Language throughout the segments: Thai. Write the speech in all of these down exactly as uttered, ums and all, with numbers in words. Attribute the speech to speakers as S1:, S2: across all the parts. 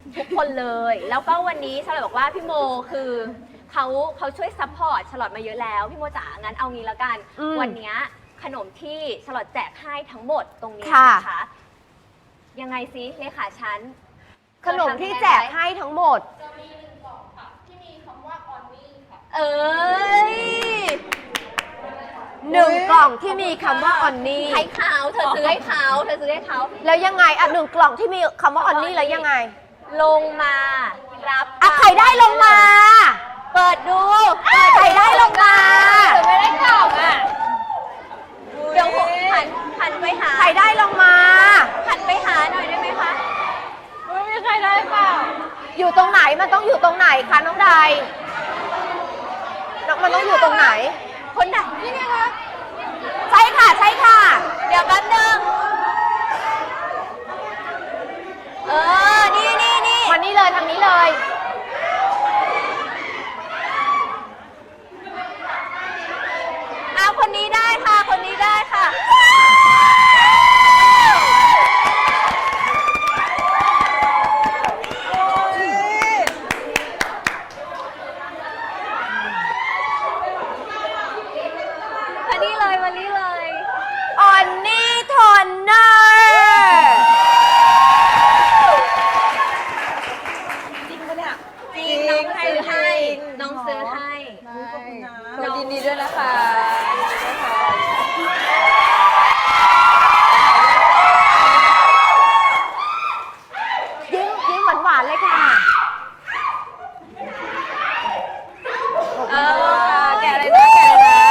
S1: ทุกคนเลยแล้วก็วันนี้ชาลอตบอกว่าพี่โมคือเขาเขาช่วยซัพพอร์ตชาลอตมาเยอะแล้วพี่โมจ๋างั้นเอางี้แล้วกันวันนี้ขนมที่ชาลอตแจกให้ทั้งหมดตรงนี้นะคะยังไงซิเลขาฉัน
S2: ขนมที่แจกให้ทั้งหมด
S3: จะมีหนึ่งกล่องค่ะที่มีคำว่าออนนี่ค่ะ
S1: เอ้ย
S2: หนึ่งกล่องที่มีคำว่าออนนี่
S1: ให้เขาเธอซื้อให้เขาเธอซื้อให้เขา
S2: แล้วยังไงอ่ะหนึ่งกล่องที่มีคำว่าออนนี่แล้วยังไง
S1: ลงมารับ
S2: อ่ะใครได้ลงมา
S1: เปิดดู
S2: ใครได้ลงมา
S1: ไม่ได้กล่องอ่ะเดี๋ยวหันหันไปหา
S2: ใครได้ลงมา
S1: หันไปหาหน่อยได้ไหมคะ
S3: ไม่มีใครได้เปล่า
S2: อยู่ตรงไหนมันต้องอยู่ตรงไหนคะน้องใดมันต้องอยู่ตรงไหน
S1: คนไหนนี่ไงคะ
S2: ใช่ค่ะใช่ค่ะ
S1: เดี๋ยวแป๊บนึงเออนี่นี่นี่
S2: มานี่เลยทางนี้เลย
S1: เอาคนนี้ได้ค่ะคนนี้ได้ค่ะมานี่เลยมานี่เลย
S2: ออนนี่ทอนเนอร์
S3: จริงปะเนี่ย
S1: จริงน้องซื้อให้น้องซื้อให้
S3: น้องยินดีด้วยนะคะ
S2: ยิ้มยิ้มหวานหวานเลยค่ะ
S1: เออแกะเลยนะแกะเลยนะ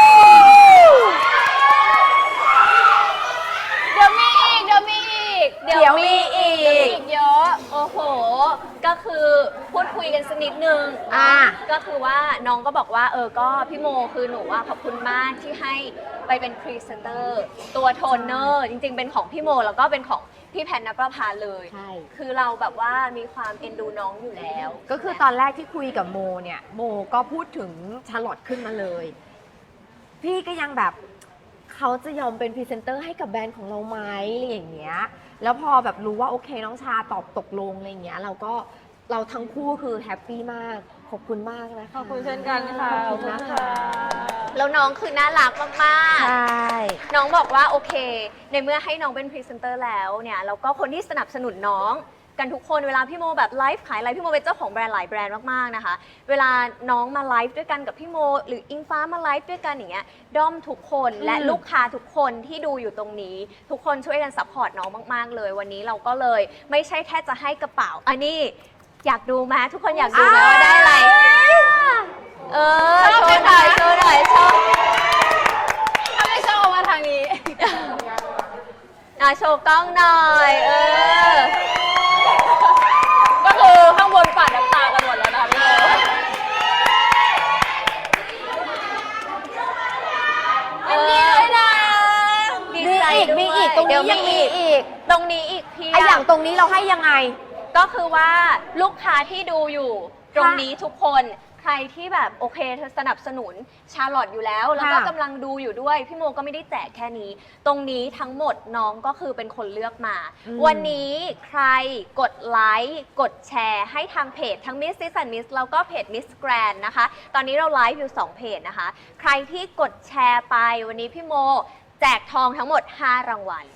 S3: เดี๋ยวมีอีกเดี๋ยวมีอีก
S1: เดี๋ยวมีอีก
S3: เยอะ
S1: โอ้โหก็คือพูดคุยกันสักนิดนึง
S2: อ่า
S1: ก็คือว่าน้องก็บอกว่าเออก็พี่โมคือหนูว่าขอบคุณมากที่ให้ไปเป็นพรีเซนเตอร์ตัวโทนเนอร์จริงๆเป็นของพี่โมแล้วก็เป็นของพี่แพนณประภาเลย
S2: ใช่
S1: คือเราแบบว่ามีความเอ็นดูน้องอยู่แล้ว
S2: ก็คือตอนแรกที่คุยกับโมเนี่ยโมก็พูดถึงชาร์ลอตขึ้นมาเลยพี่ก็ยังแบบเขาจะยอมเป็นพรีเซนเตอร์ให้กับแบรนด์ของเราไหมอะไรอย่างเงี้ยแล้วพอแบบรู้ว่าโอเคน้องชาตอบตกลงอะไรอย่างเงี้ยเราก็เราทั้งคู่คือแฮปปี้มากขอบคุณมากนะคะ
S3: ขอบคุณเช่นกันค่ะ
S2: ขอบคุณนะคะ
S1: แล้วน้องคือน่ารักมาก
S2: ๆใช่
S1: น้องบอกว่าโอเคในเมื่อให้น้องเป็นพรีเซนเตอร์แล้วเนี่ยแล้วก็คนที่สนับสนุนน้องกันทุกคนเวลาพี่โมแบบไลฟ์ขายอะไรพี่โมเป็นเจ้าของแบรนด์หลายแบรนด์มากๆนะคะเวลาน้องมาไลฟ์ด้วยกันกับพี่โมหรืออิงฟ้ามาไลฟ์ด้วยกันอย่างเงี้ยด้อมทุกคนและลูกค้าทุกคนที่ดูอยู่ตรงนี้ทุกคนช่วยกันซัพพอร์ตน้องมากๆเลยวันนี้เราก็เลยไม่ใช่แค่จะให้กระเป๋าอันนี้อยากดูไหมทุกคนอยากดูไหมว่าได้อะไรเออโชว์หน่อยโชว์หน่อยโชว์
S3: ถ้าไม่โชว์มาทางนี้
S1: อ่ะโชว์กล้องหน่อยเออ
S3: ก็คือข้างบนปัดน้ำตากันหมดแล้วนะพี่โม
S1: อันนี้เลยนะ
S2: มีอีกมีอีกตรงนี้ยังมีอีก
S1: ตรงนี้อีกพี่
S2: ไออย่างตรงนี้เราให้ยังไง
S1: ก็คือว่าลูกค้าที่ดูอยู่ตรงนี้ทุกคนใครที่แบบโอเคเธอสนับสนุนชาร์ลอตอยู่แล้วแล้วก็กำลังดูอยู่ด้วยพี่โมก็ไม่ได้แจกแค่นี้ตรงนี้ทั้งหมดน้องก็คือเป็นคนเลือกมาวันนี้ใครกดไลค์กดแชร์ให้ทางเพจทั้ง Miss Sis and Miss แล้วก็เพจ Miss Grand นะคะตอนนี้เราไลฟ์อยู่สองเพจนะคะใครที่กดแชร์ไปวันนี้พี่โมแจกทองทั้งหมดห้ารางวัล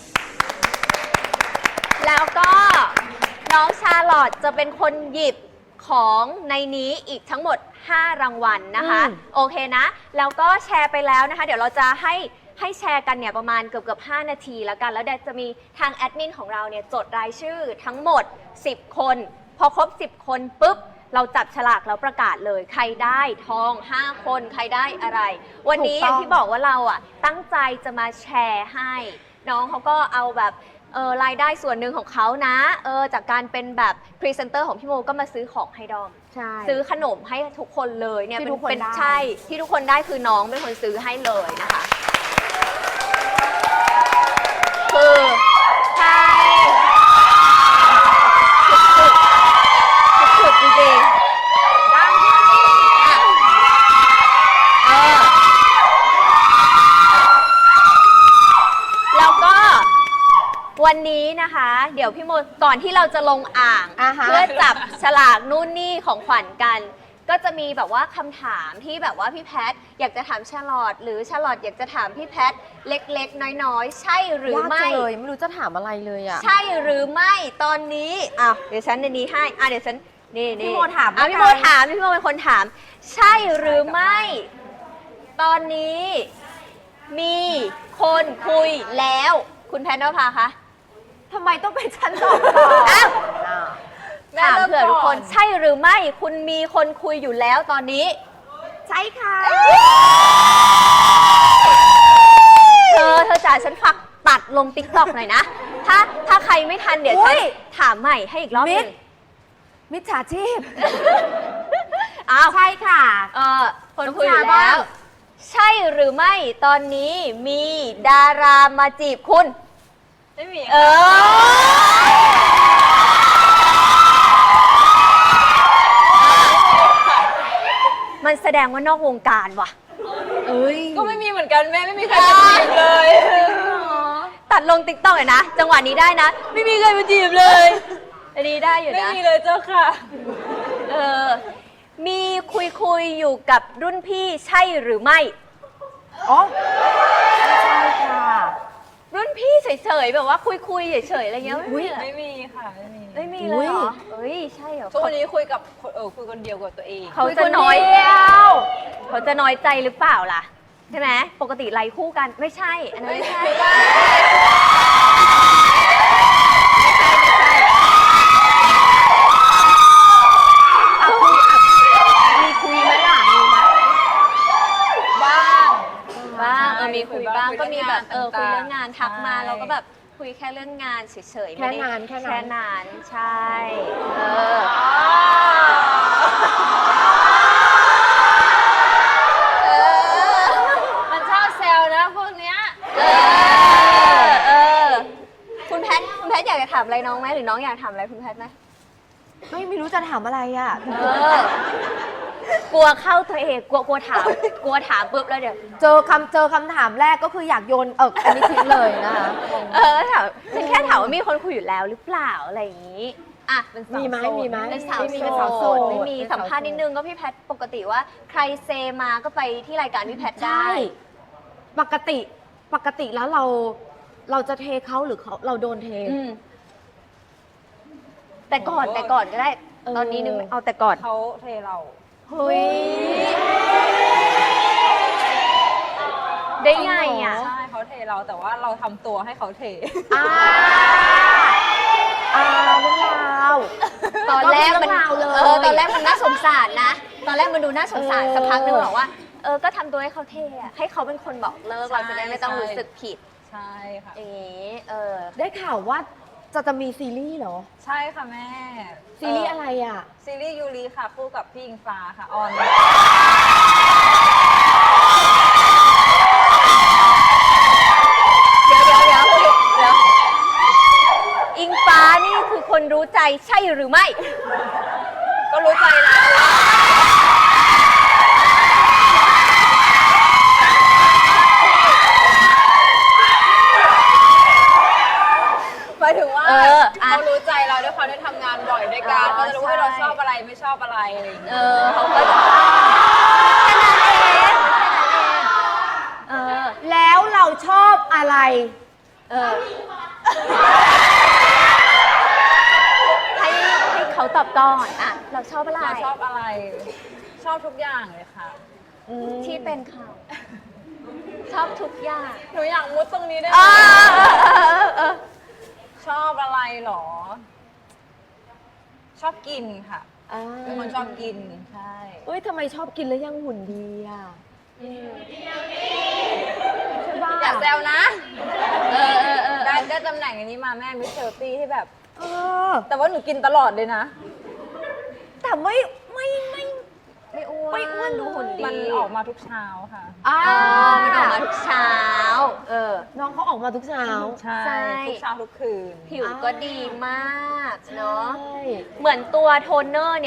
S1: แล้วก็น้องชาร์ลอตจะเป็นคนหยิบของในนี้อีกทั้งหมดห้ารางวัลนะคะโอเคนะแล้วก็แชร์ไปแล้วนะคะเดี๋ยวเราจะให้ให้แชร์กันเนี่ยประมาณเกือบเกือบห้านาทีแล้วกันแล้วเดี๋ยวจะมีทางแอดมินของเราเนี่ยจดรายชื่อทั้งหมดสิบคนพอครบสิบคนปุ๊บเราจับฉลากแล้วประกาศเลยใครได้ทองห้าคนใครได้อะไรวันนี้อย่างที่บอกว่าเราอ่ะตั้งใจจะมาแชร์ให้น้องเขาก็เอาแบบเออรายได้ส่วนหนึ่งของเขานะเออจากการเป็นแบบพรีเซนเตอร์ของพี่โมก็มาซื้อของให้ดอมซื้อขนมให้ทุกคนเลยเนี่ยเป็นใช่ที่ทุกคนได้คือน้องเป็นคนซื้อให้เลยนะคะคือใช่สุดๆจริงๆแล้วก็วันนี้นะคะ เดี๋ยวพี่โมก่อนที่เราจะลงอ่าง
S2: อ่าฮะ
S1: เพื่อจับฉลากนู่นนี่ของขวัญกัน ก็จะมีแบบว่าคำถามที่แบบว่าพี่แพทอยากจะถามชาลอตหรือชาลอตอยากจะถามพี่แพทเล็กๆ น้อยๆ ใช่หรือย
S2: าก
S1: ไม่
S2: จังเลยไม่รู้จะถามอะไรเลยอ่ะ
S1: ใช่หรือไม่ตอนนี้อ่ะเดี๋ยวฉันในนี้ให้อ่ะเดี๋ยวฉันนี่นี่
S2: พี่โมถาม
S1: อ่ะ
S2: แล้ว
S1: พี่โม
S2: กัน
S1: ถามพี่โมเป็นคนถาม ใช่หรือไม่ ตอนนี้ มีคนคุยแล้ว คุณแพทนภาคะ
S2: ทำไมต้องเป็นฉันตอบก่อน
S1: อ้าว
S2: อ่า
S3: แม่
S1: ถาม
S3: เริ่ม
S1: เผื่อทุกคน
S3: ก่อน
S1: ใช่หรือไม่ คุณมีคนคุยอยู่แล้วตอนนี้
S2: ใช่ค่ะ
S1: เธอเธอจ๋าฉันฝากตัดลงติ๊กต็อกหน่อยนะ ถ้าถ้าใครไม่ทันเดี๋ยวฉันถามใหม่ให้อีกรอบหนึง
S2: มิจฉาชีพ
S1: อ้าว
S2: ใช่ค่ะ
S1: เออคนคุยอยู่
S2: น้องจ๋า
S1: แล้ว
S2: บ้าง
S1: ใช่หรือไม่ตอนนี้มีดารามาจีบคุณ
S3: ไม่มี
S1: เออ มันแสดงว่านอกวงการว่ะ
S2: เอ้ย
S3: ก็ไม่มีเหมือนกันแม่ไม่มีใครมาจีบเลย
S1: ตัดลงติ๊กต็อกเลยนะ จังหวะนี้ได้นะ ไม่มีใครมาจีบเลย อันนี้ได้อยู่
S3: ไม่
S1: นะ
S3: มีเลยเจ้าค่ะ
S1: เออ มีคุยคุยๆอยู่กับรุ่นพี่ใช่หรือไม่
S2: อ๋อไม่ใช่ค่ะ
S1: รุ่นพี่เฉยๆแบบว่าคุยคุยๆเฉยๆอะไรเงี้ยไม่
S2: อุ๊ย
S1: มีเหรอ
S3: ไม่มีค่ะไม่มี
S1: ไม่มีเลยเหรอเอ้ยใช่เหรอ
S3: ทุกวันนี้คุยกับคนเออคุยคนเดียวกับตัวเอง
S1: เขา
S2: คุย
S1: จะ
S2: คน
S1: น้อย
S2: เดียว
S1: เขาจะน้อยใจหรือเปล่าล่ะ ใช่ไหมปกติไลฟ์คู่กันไม่ใช่ อันนั้นไม่ใช่
S3: ไม่ได้
S1: ไม่ใช่
S2: อ่ะคุยอ่ะมีคุยไหมล่ะมีไหม
S3: บ้าง
S1: บ้างเออ
S3: ใช่
S1: มีคุยบ้าง
S3: คุย
S1: ก็มีแบบเออคุย
S3: เรื่
S1: เรื่อ
S3: อง ง
S1: งาง
S3: าน น
S1: ทักมา
S3: ใช่
S1: เราก็แบบคุยแค่เรื่องงานเฉยๆ
S2: แค่
S1: ไม่ได้
S2: นานแค่นั้น
S1: แค่นานใช่เออ
S3: เออมันชอบแซวนะพวกเนี้ย
S1: เออเออคุณแพทคุณแพทอยากจะถามอะไรน้องไหมหรือน้องอยากถามอะไรคุณแพทไหม
S2: ไม่ไม่รู้จะถามอะไรอ่ะ
S1: เออกลัวเข้าตัวเองกลัวกลัวถามกลัวถามปุ๊บแล้วเดี๋ยว
S2: เจอคำเจอคำถามแรกก็คืออยากโยนเอออันนี้ทิ้งเลยนะคะ
S1: เออถามฉันแค่ถามว่ามีคนคุยอยู่แล้วหรือเปล่าอะไรอย่างนี้อ่ะ
S3: เป็นสาว
S2: มีไหม
S3: โสด
S2: มีไหม
S1: เป็นสาว
S2: ไม่มี
S1: โส
S2: เป็นสาวโส
S1: ด
S2: ด
S1: ไม่มี
S2: เป็น
S1: สั
S2: สาม ว
S1: ภาษณ์นิดนึงก็พี่แพทปกติว่าใครเซมาก็ไปที่รายการพี่แพทได้
S2: ใช่ปกติปกติแล้วเราเราจะเทเขาหรือเขาเราโดนเท
S1: อืมแต่ก่อนแต่ก่อนก็ได้
S2: เออ
S1: ตอนนี้นึกไม่เอาแต่ก่อน
S3: เขาเทเรา
S1: เฮ้ยได้ไงอ่ะ
S3: ใช่เขาเทเราแต่ว่าเราทำตัวให้เขาเท
S2: อ่าอ่าเรื่องราว
S1: ตอนแรกมัน
S2: ก็เป็นเรื่องราวเลย
S1: เออตอนแรกมันน่าสงสารนะ ตอนแรกมันดูน่าสงสาร
S2: เออ
S1: สักพักนึงบอกว่าเออก็ทำตัวให้เขาเท่อะให้เขาเป็นคนบอกเลิก
S3: ใช่
S1: เราจะได้ไม่ต้อง
S3: ใช่
S1: รู้สึกผิด
S3: ใช่ค่ะ
S1: อย่างนี้เออ
S2: ได้ข่าวว่าจะจะมีซีรีส์เหรอ
S3: ใช่ค่ะแม่
S2: ซีรีส์อะไรอ่ะ
S3: ซีรีส์ยูริค่ะคู่กับพี่อิงฟ้าค่ะออน
S1: เดี๋ยวเดี๋ยวเดี๋ยวเดี๋ยวอิงฟ้านี่คือคนรู้ใจใช่หรือไม่
S3: ก็รู้ใจแล้ว หมายถึงว่า
S1: เอออ่ะ
S3: เขารู้ใจเราด้วยเขาได้ทำงานบ่อยด้วยกัน
S1: อ๋อ
S3: เขาจะรู้ว่าเรา
S1: ใช่
S3: ชอบอะไรไม่ชอบอะไรอะไรอย่างเงี้ย
S1: เออเขาก็จะแค่นั้นเองแค่นั้นเองเออ
S2: แล้วเราชอบอะไร
S1: เออให้ให้เขาตอบก่อนอ่ะเราชอบอะไร
S3: เราชอบอะไร ชอบทุกอย่างเลยค่ะ
S1: ที่เป็นเขาชอบทุกอย่าง
S3: หนูอยากมุดตรงนี้ได้ไห
S1: เอ
S3: ม
S1: อเออเออเออ
S3: ชอบอะไรหรอ ชอบกินค่ะ
S2: อ่า
S3: เป็นคนชอบกินใช่
S2: เอ้ยทำไมชอบกินแล้วยังหุ่นดีอ่ะใช่ป่ะ
S3: อย่าแซวนะ
S1: เออเออเออ
S3: ได้ได้ตำแหน่งอันนี้มาแม่มิสเชลตี้ที่แบบ
S2: เออ
S3: แต่ว่าหนูกินตลอดเลยนะ
S2: แต่ไม่ไม่ไม่
S1: ไม่อ้วน
S2: ไม่อ้วน
S1: ดูหุ่นดี
S3: มันออกมาทุกเช้าค่ะ
S2: อ่า
S1: อ๋อมันออกมาทุกเช้า เออ
S2: น้องเขาออกมาทุกเช้า
S3: ใช่
S1: ใช่
S3: ทุกเช้าทุกคืน
S1: ผิวก็ดีมากเนาะ
S2: ใช่
S1: เหมือนตัวโทนเนอร์